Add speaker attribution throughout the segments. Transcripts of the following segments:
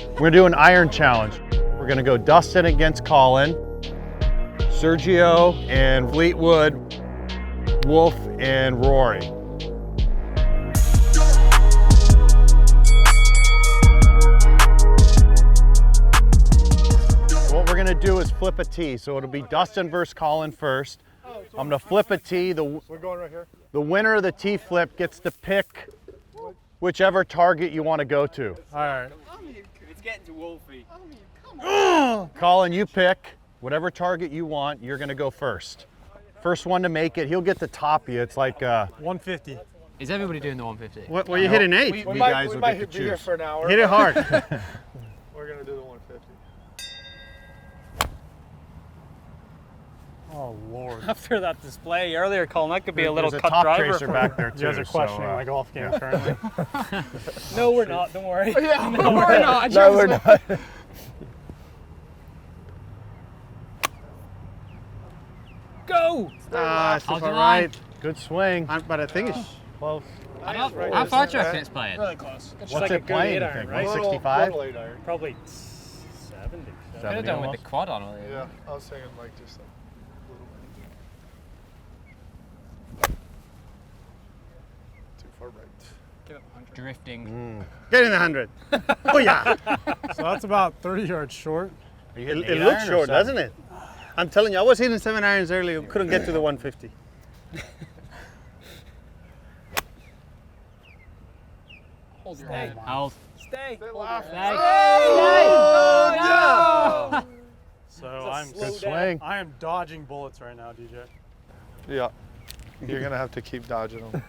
Speaker 1: We're gonna do an iron challenge. We're gonna go Dustin against Colin, Sergio and Fleetwood, Wolf and Rory. What we're gonna do is flip a tee. So it'll be Dustin versus Colin first. I'm gonna flip a tee.
Speaker 2: We're going right here.
Speaker 1: The winner of the tee flip gets to pick whichever target you want to go to.
Speaker 2: All right.
Speaker 3: It's getting to Wolfie.
Speaker 1: Colin, you pick whatever target you want. You're gonna go first. First one to make it, he'll get to top you. It's like
Speaker 2: 150.
Speaker 3: Is everybody doing the 150?
Speaker 4: What you hitting 8?
Speaker 1: you guys will get to
Speaker 2: be here
Speaker 1: choose.
Speaker 2: for an hour.
Speaker 4: Hit it hard.
Speaker 2: We're gonna do the 150. Oh Lord.
Speaker 5: After that display earlier, Colin, that could be a little
Speaker 1: There's
Speaker 5: cut
Speaker 1: top
Speaker 5: driver.
Speaker 1: tracer back there too.
Speaker 2: You guys are questioning
Speaker 1: so,
Speaker 2: my golf game currently.
Speaker 5: No, we're not. Don't worry.
Speaker 3: Yeah, no, we're not.
Speaker 2: No, we're not.
Speaker 5: Go!
Speaker 4: It's
Speaker 3: How's
Speaker 4: all
Speaker 3: your
Speaker 4: right.
Speaker 1: Good swing.
Speaker 4: But I think it's
Speaker 1: Close.
Speaker 3: How far do you reckon it's playing?
Speaker 5: Really close. It's
Speaker 1: What's
Speaker 5: like a
Speaker 1: it
Speaker 5: good
Speaker 1: playing,
Speaker 5: 8
Speaker 1: you
Speaker 5: iron,
Speaker 1: think?
Speaker 5: right?
Speaker 1: 165?
Speaker 2: Little 8 iron.
Speaker 5: Probably 70.
Speaker 3: Could have done with the quad on.
Speaker 2: Yeah, I was saying like just a little bit. Too far right.
Speaker 3: Drifting.
Speaker 4: getting the 100. Oh yeah.
Speaker 2: So that's about 30 yards short.
Speaker 1: Are you
Speaker 4: It,
Speaker 1: hitting
Speaker 4: it
Speaker 1: 8
Speaker 4: looks
Speaker 1: iron or
Speaker 4: short,
Speaker 1: 7?
Speaker 4: doesn't it? I'm telling you, I was hitting 7 irons earlier. Couldn't get to the 150.
Speaker 3: Hold your head. Hold.
Speaker 5: Stay.
Speaker 2: So I'm
Speaker 1: Good swing.
Speaker 2: I am dodging bullets right now, DJ.
Speaker 6: Yeah. You're going to have to keep dodging them.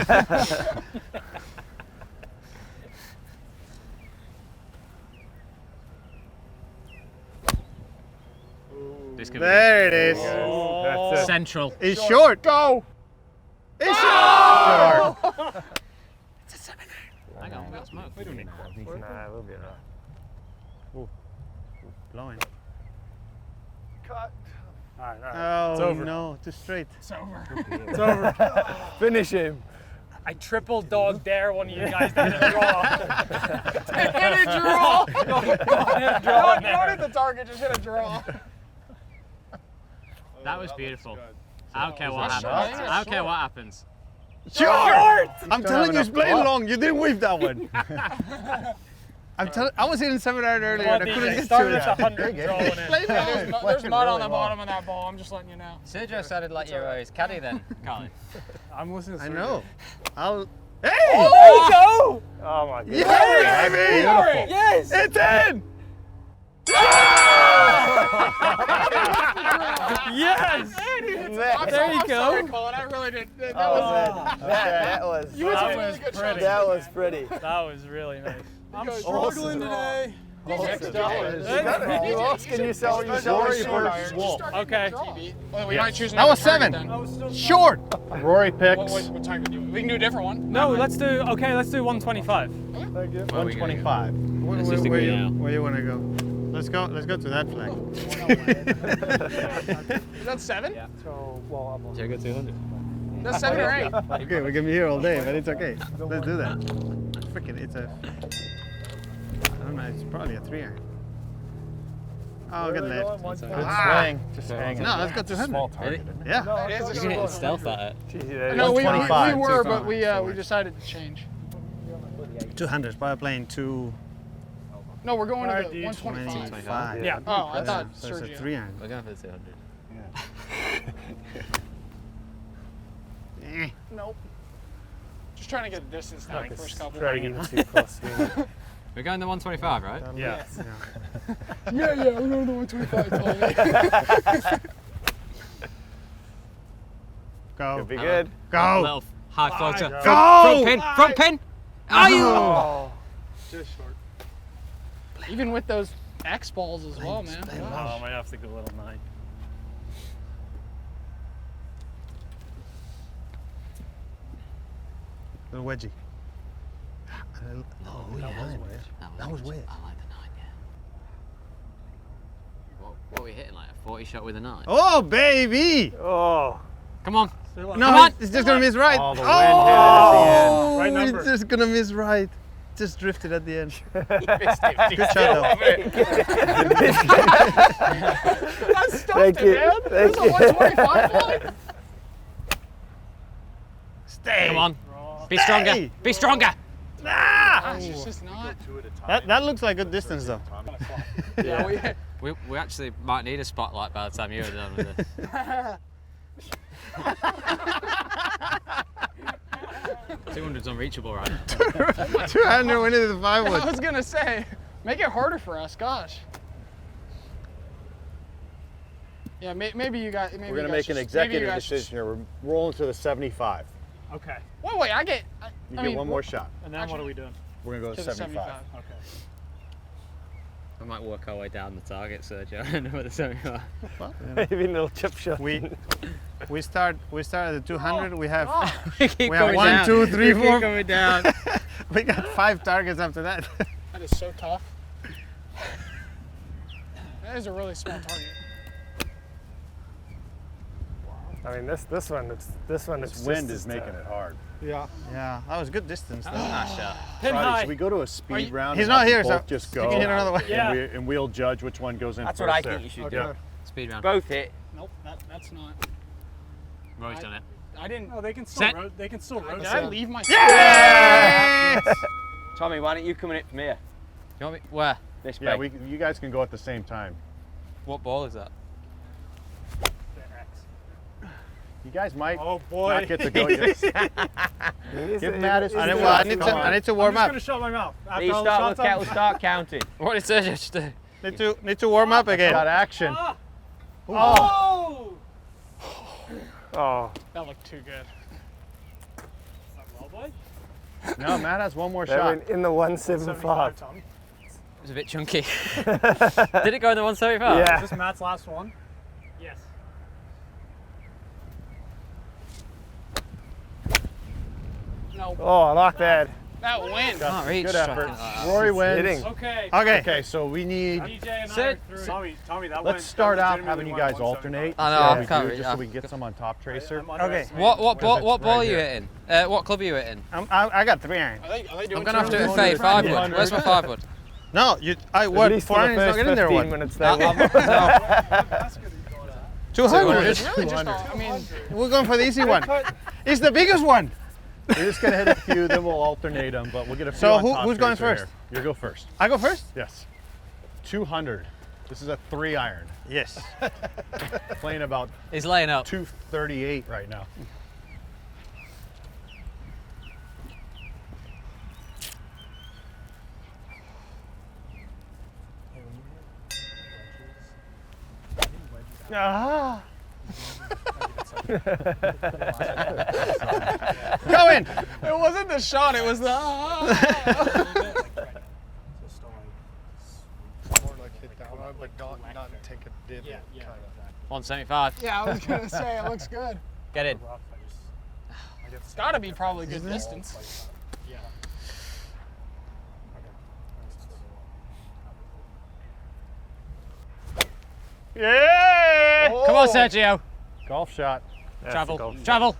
Speaker 3: This could
Speaker 4: There it is.
Speaker 3: be central.
Speaker 4: It's short. Go. It's short.
Speaker 3: Hang on, we got smoke.
Speaker 4: Nah, we'll be alright. Ooh, blowing.
Speaker 2: Cut. All right.
Speaker 4: Oh
Speaker 2: It's over.
Speaker 4: no, too straight.
Speaker 5: It's over.
Speaker 2: It's over.
Speaker 6: Finish him.
Speaker 5: I triple dog dare one of you guys to hit a draw.
Speaker 3: Hit a draw.
Speaker 5: Hit a draw in there.
Speaker 3: the target, just hit a draw. That was beautiful. I don't care what happens. I don't care what happens.
Speaker 4: Short. I'm
Speaker 1: Don't
Speaker 4: telling
Speaker 1: have
Speaker 4: you, it's
Speaker 1: enough
Speaker 4: playing
Speaker 1: club.
Speaker 4: long. You didn't whip that one. I was hitting 7 iron earlier and I couldn't get to
Speaker 5: Started
Speaker 4: it.
Speaker 5: at 100 drawing in.
Speaker 3: There's mud on the bottom
Speaker 5: of that ball. I'm just letting you know.
Speaker 3: Sergio sounded like your caddy then, Colin.
Speaker 2: I'm listening to
Speaker 4: I
Speaker 2: Sergio.
Speaker 4: know. I'll. Hey!
Speaker 5: There you go!
Speaker 2: Oh my god.
Speaker 4: Yes!
Speaker 1: Beautiful.
Speaker 5: Yes!
Speaker 4: It's in!
Speaker 5: Yes! There you go.
Speaker 3: Colin. I really did.
Speaker 6: That was
Speaker 5: pretty.
Speaker 6: That was pretty.
Speaker 5: That was really nice.
Speaker 2: I'm struggling today.
Speaker 6: Who else can you sell? You sell
Speaker 1: Rory
Speaker 6: short
Speaker 1: versus
Speaker 6: iron.
Speaker 1: Wolf.
Speaker 5: Okay.
Speaker 3: We might choose
Speaker 4: That was 7. Short.
Speaker 1: Rory picks
Speaker 3: What time can you? We can do a different one.
Speaker 5: No, let's do 125.
Speaker 1: 125.
Speaker 3: Let's just agree now.
Speaker 4: Where you want to go? Let's go to that flag.
Speaker 3: Is that 7?
Speaker 5: Yeah.
Speaker 2: So, well, I'm
Speaker 3: Check it 200. That's 7 or 8.
Speaker 4: Okay, we're gonna be here all day, but it's okay. Let's do that. Freaking, it's a. I don't know. It's probably a 3 iron. Oh, good left.
Speaker 1: Good swing. Just hanging.
Speaker 4: No, let's go 200.
Speaker 1: Small target.
Speaker 4: Yeah.
Speaker 3: You can hit stealth at it.
Speaker 6: No, we
Speaker 1: 125.
Speaker 6: were, but we decided to change.
Speaker 4: 200. Probably playing 225.
Speaker 6: No, we're going to
Speaker 2: Alright,
Speaker 6: the
Speaker 2: dude.
Speaker 6: 125.
Speaker 5: Yeah.
Speaker 6: Oh, I thought
Speaker 4: So it's a
Speaker 6: Sergio.
Speaker 4: 3 iron.
Speaker 3: We're going for the 200.
Speaker 4: Eh.
Speaker 6: Nope. Just trying to get the distance down the first couple.
Speaker 2: try to get too close to me.
Speaker 3: We're going to 125, right?
Speaker 2: Yeah.
Speaker 6: Yeah, we're going to the 125 totally.
Speaker 4: Go.
Speaker 6: Be good.
Speaker 4: Go.
Speaker 3: Little high floater.
Speaker 2: Go.
Speaker 3: Front pin. Front pin. Are you?
Speaker 2: Oh. Just short.
Speaker 6: Even with those X balls as well, man.
Speaker 2: Oh, I might have to go a little 9.
Speaker 4: Little wedgie.
Speaker 3: Oh,
Speaker 4: yeah.
Speaker 3: That was weird. I like the 9, yeah. What are we hitting, like a 40 shot with a 9?
Speaker 4: Oh, baby!
Speaker 2: Oh.
Speaker 3: Come on.
Speaker 4: No,
Speaker 3: Come on.
Speaker 4: it's just gonna miss right.
Speaker 1: Oh, the wind hit it at the end.
Speaker 2: Right number.
Speaker 4: It's just gonna miss right. just drifted at the end.
Speaker 3: Good
Speaker 4: Good shot though.
Speaker 6: That stuffed
Speaker 7: Thank you.
Speaker 6: it, man.
Speaker 7: Thank
Speaker 6: This is a 125 volley.
Speaker 4: Stay.
Speaker 3: Come on. Be stronger. Be stronger.
Speaker 6: Gosh, it's just not.
Speaker 4: That looks like good distance though.
Speaker 6: Yeah,
Speaker 3: We actually might need a spotlight by the time you're done with this. 200's unreachable, right?
Speaker 4: 200 we needed the 5
Speaker 6: I
Speaker 4: wood.
Speaker 6: was gonna say, make it harder for us. Gosh. Yeah, maybe you guys. Maybe
Speaker 1: We're going to
Speaker 6: you
Speaker 1: make
Speaker 6: guys
Speaker 1: an
Speaker 6: just- maybe you
Speaker 1: executive
Speaker 6: guys just-
Speaker 1: decision here. We're rolling to the 75.
Speaker 2: Okay.
Speaker 6: Wait, I get.
Speaker 1: You
Speaker 6: I
Speaker 1: get
Speaker 6: mean,
Speaker 1: one more shot.
Speaker 2: And then what are we doing?
Speaker 1: We're going to go
Speaker 6: to
Speaker 1: to
Speaker 6: the
Speaker 1: 75.
Speaker 6: 75.
Speaker 2: Okay.
Speaker 3: I might work our way down the target, Sergio. I know what the 75.
Speaker 7: Maybe a little chip shot.
Speaker 4: We start at the 200. We have
Speaker 3: We keep
Speaker 4: we have
Speaker 3: going
Speaker 4: 1,
Speaker 3: down.
Speaker 4: 2, 3,
Speaker 3: We
Speaker 4: 4.
Speaker 3: keep going down.
Speaker 4: We got 5 targets after that.
Speaker 6: That is so tough. That is a really small target.
Speaker 7: I mean, this one, it's
Speaker 1: This wind
Speaker 7: just
Speaker 1: is
Speaker 7: as
Speaker 1: making
Speaker 7: tough.
Speaker 1: it hard.
Speaker 2: Yeah.
Speaker 4: Yeah, that was good distance though.
Speaker 3: Nice shot.
Speaker 2: Pin
Speaker 1: Friday,
Speaker 2: high.
Speaker 1: should we go to a speed round?
Speaker 4: He's
Speaker 1: and
Speaker 4: not
Speaker 1: have
Speaker 4: here,
Speaker 1: them
Speaker 4: so
Speaker 1: both just
Speaker 4: you
Speaker 1: go.
Speaker 4: can hit another way.
Speaker 2: Yeah.
Speaker 1: And we'll judge which one goes in
Speaker 8: That's
Speaker 1: first
Speaker 8: what I
Speaker 1: there.
Speaker 8: think you should
Speaker 2: Okay.
Speaker 8: do.
Speaker 3: Speed round.
Speaker 8: Both hit.
Speaker 6: Nope, that's not.
Speaker 3: Roy's done it.
Speaker 6: I didn't.
Speaker 2: No, they can still
Speaker 3: Set.
Speaker 2: they can still
Speaker 6: Did
Speaker 2: rotate.
Speaker 6: I leave my?
Speaker 8: Tommy, why don't you come in it from here?
Speaker 3: You want me? Where?
Speaker 8: This
Speaker 1: Yeah,
Speaker 8: way.
Speaker 1: you guys can go at the same time.
Speaker 3: What ball is that?
Speaker 1: You guys might
Speaker 2: Oh boy.
Speaker 1: not get to go yet. Give Mattis.
Speaker 4: I need to warm
Speaker 2: I'm
Speaker 4: up.
Speaker 2: just gonna shut my mouth. After
Speaker 8: These
Speaker 2: all the
Speaker 8: start
Speaker 2: shots
Speaker 8: with
Speaker 2: I'm-
Speaker 8: kettle, start counting.
Speaker 3: What did Sergio just do?
Speaker 4: Need to warm up again.
Speaker 1: Got action.
Speaker 2: Ah!
Speaker 1: Oh.
Speaker 7: Oh,
Speaker 6: That looked too good.
Speaker 2: Well, boy.
Speaker 1: No, Matt has one more
Speaker 7: that
Speaker 1: shot.
Speaker 7: went in the 175.
Speaker 2: Tommy.
Speaker 3: It was a bit chunky. Did it go in the 175?
Speaker 7: Yeah.
Speaker 2: Is this Matt's last one? Yes.
Speaker 6: No,
Speaker 7: Oh, I like that.
Speaker 6: that win.
Speaker 3: Can't reach.
Speaker 1: Good effort.
Speaker 3: striking like that.
Speaker 1: Rory wins.
Speaker 7: Hitting.
Speaker 2: Okay.
Speaker 4: Okay.
Speaker 1: Okay, so we need.
Speaker 2: DJ and I
Speaker 3: Sit.
Speaker 2: are through. Tommy, that
Speaker 1: Let's start out having you guys alternate.
Speaker 3: I know,
Speaker 1: See how
Speaker 3: I
Speaker 1: we
Speaker 3: can't
Speaker 1: do,
Speaker 3: reach.
Speaker 1: just so we can get some on Top Tracer.
Speaker 4: Okay.
Speaker 3: What ball? What ball
Speaker 1: right
Speaker 3: are you
Speaker 1: here.
Speaker 3: hitting? What club are you hitting?
Speaker 4: I got 3 iron.
Speaker 6: Are they doing
Speaker 3: I'm gonna have to do a
Speaker 1: 200,
Speaker 3: fade 5 wood.
Speaker 1: 200.
Speaker 3: Where's my 5 wood?
Speaker 4: No,
Speaker 7: At
Speaker 4: what?
Speaker 7: least
Speaker 4: 4
Speaker 7: for the
Speaker 4: iron is not
Speaker 7: first
Speaker 4: getting there.
Speaker 7: 15
Speaker 4: What?
Speaker 7: minutes.
Speaker 3: No,
Speaker 7: They
Speaker 3: no.
Speaker 4: 200.
Speaker 6: It's really just. I mean,
Speaker 4: We're going for the easy one. It's the biggest one.
Speaker 1: We're just gonna hit a few, then we'll alternate them, but we'll get a few
Speaker 4: So
Speaker 1: on
Speaker 4: who-
Speaker 1: Top
Speaker 4: who's going
Speaker 1: Tracer
Speaker 4: first?
Speaker 1: here. You go first.
Speaker 4: I go first.
Speaker 1: Yes. 200. This is a 3 iron.
Speaker 4: Yes.
Speaker 1: Playing about
Speaker 3: He's laying up.
Speaker 1: 238 right now.
Speaker 4: Ah. Go in.
Speaker 6: it wasn't the shot. It was the.
Speaker 2: Yeah.
Speaker 3: 175.
Speaker 6: Yeah, I was gonna say it looks good.
Speaker 3: Get in.
Speaker 6: It's got to be probably good distance.
Speaker 4: Yeah.
Speaker 3: Come on, Sergio.
Speaker 1: Golf shot.
Speaker 3: Travel. Travel.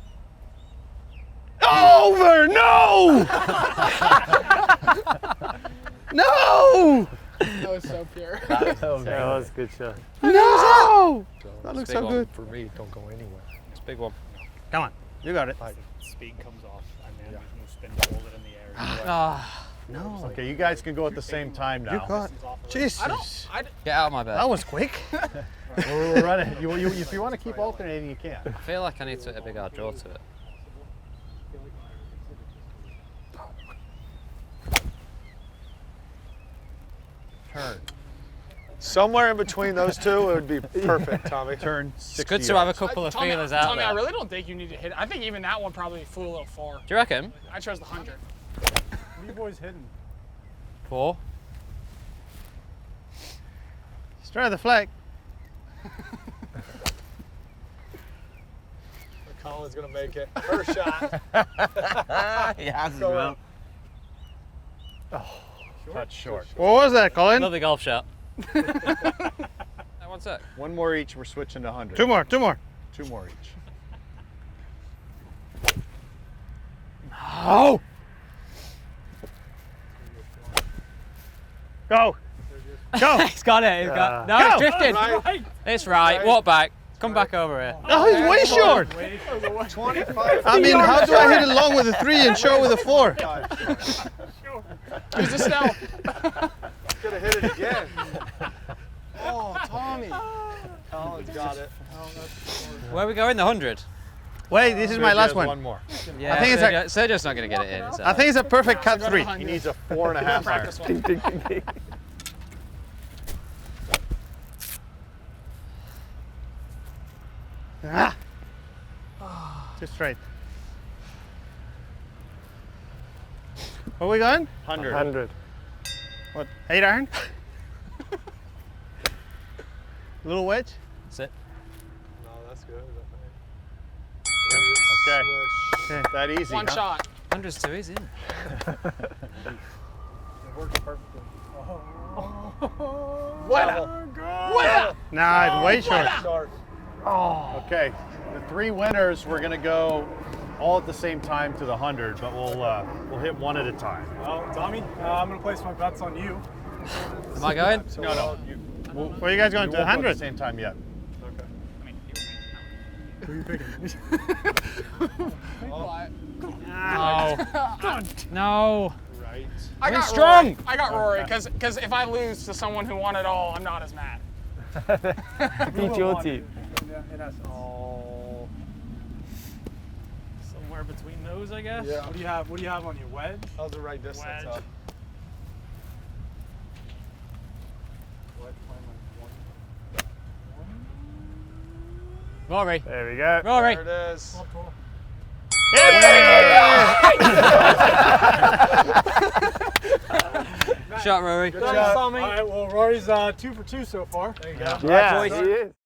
Speaker 4: Over. No. No.
Speaker 6: That was so pure.
Speaker 7: That was a good shot.
Speaker 4: No. That looks
Speaker 3: Big
Speaker 4: so
Speaker 3: one.
Speaker 4: good.
Speaker 9: For me, don't go anywhere.
Speaker 3: It's a big one.
Speaker 4: Come on. You got it.
Speaker 2: Speed comes off, and then you spin to hold it in the air.
Speaker 3: Ah,
Speaker 4: No.
Speaker 1: Okay, you guys can go at the same time now.
Speaker 4: You got. Jesus.
Speaker 3: get out of my bed.
Speaker 4: That was quick.
Speaker 1: We're running. If you want to keep alternating, you can.
Speaker 3: I feel like I need to hit a big hard draw to it.
Speaker 1: Turn.
Speaker 9: Somewhere in between those two, it would be perfect, Tommy.
Speaker 1: Turn 60
Speaker 3: It's good to have a
Speaker 1: yards.
Speaker 3: couple of
Speaker 6: Tommy,
Speaker 3: feelers out
Speaker 6: Tommy, I
Speaker 3: there.
Speaker 6: really don't think you need to hit. I think even that one probably flew a little far.
Speaker 3: Do you reckon?
Speaker 6: I chose the 100.
Speaker 2: You boys hitting.
Speaker 3: 4.
Speaker 4: Straight at the flag.
Speaker 9: Colin's going to make it. First shot.
Speaker 8: He has as well.
Speaker 1: Touch short.
Speaker 4: What was that, Colin?
Speaker 3: Another golf shot. One sec.
Speaker 1: One more each. We're switching to 100.
Speaker 4: 2 more. 2 more.
Speaker 1: 2 more each.
Speaker 4: Oh.
Speaker 7: Go.
Speaker 4: Go.
Speaker 3: He's got it. He's got. No,
Speaker 4: Go.
Speaker 3: it's drifting.
Speaker 9: Right.
Speaker 3: It's right. Walk back. Come back over here.
Speaker 4: Oh, he's way short.
Speaker 9: 25.
Speaker 4: I mean, how do I hit it long with a 3 and short with a 4?
Speaker 6: Use the stealth.
Speaker 9: Could have hit it again.
Speaker 4: Oh, Tommy.
Speaker 9: Colin's got it.
Speaker 3: Where are we going? The 100.
Speaker 4: Wait, this is my last
Speaker 1: One
Speaker 4: one.
Speaker 1: more.
Speaker 3: Yeah,
Speaker 4: think it's
Speaker 3: Sergio's not going to get it in. It's
Speaker 4: I think it's a perfect cut 3.
Speaker 1: He needs a 4.5 iron.
Speaker 6: Practice one.
Speaker 7: Ding, ding, ding, ding.
Speaker 4: Ah. Just straight. Where are we going?
Speaker 1: 100.
Speaker 7: 100.
Speaker 4: What, 8 iron? Little wedge?
Speaker 3: That's it.
Speaker 9: No, that's good.
Speaker 1: Okay.
Speaker 4: Okay.
Speaker 1: That easy.
Speaker 6: One
Speaker 1: huh?
Speaker 6: shot.
Speaker 3: 100's too easy. Isn't it?
Speaker 2: It works perfectly.
Speaker 4: Nah, it's way short.
Speaker 1: Okay. The 3 winners, we're going to go all at the same time to the 100, but we'll hit one at a time.
Speaker 2: Well, Tommy, I'm going to place my bets on you.
Speaker 3: Am I going?
Speaker 1: No.
Speaker 4: Where are you guys going
Speaker 1: We
Speaker 4: to? The
Speaker 1: won't go at the
Speaker 4: 100?
Speaker 1: same time yet.
Speaker 2: Who are you picking?
Speaker 3: No. No.
Speaker 9: Right.
Speaker 6: I got
Speaker 3: strong.
Speaker 6: Rory. I got Rory because if I lose to someone who won it all, I'm not as mad.
Speaker 7: Beat your team.
Speaker 2: In essence.
Speaker 9: Oh.
Speaker 5: Somewhere between those, I guess.
Speaker 9: Yeah.
Speaker 2: What do you have on your wedge?
Speaker 9: How's the right distance
Speaker 5: Wedge.
Speaker 9: up?
Speaker 3: Rory.
Speaker 7: There we go.
Speaker 3: Rory.
Speaker 9: There it is.
Speaker 3: Shot, Rory.
Speaker 9: Good job.
Speaker 2: All right, well, Rory's 2 for 2 so far. There you go.
Speaker 7: Yeah, he is.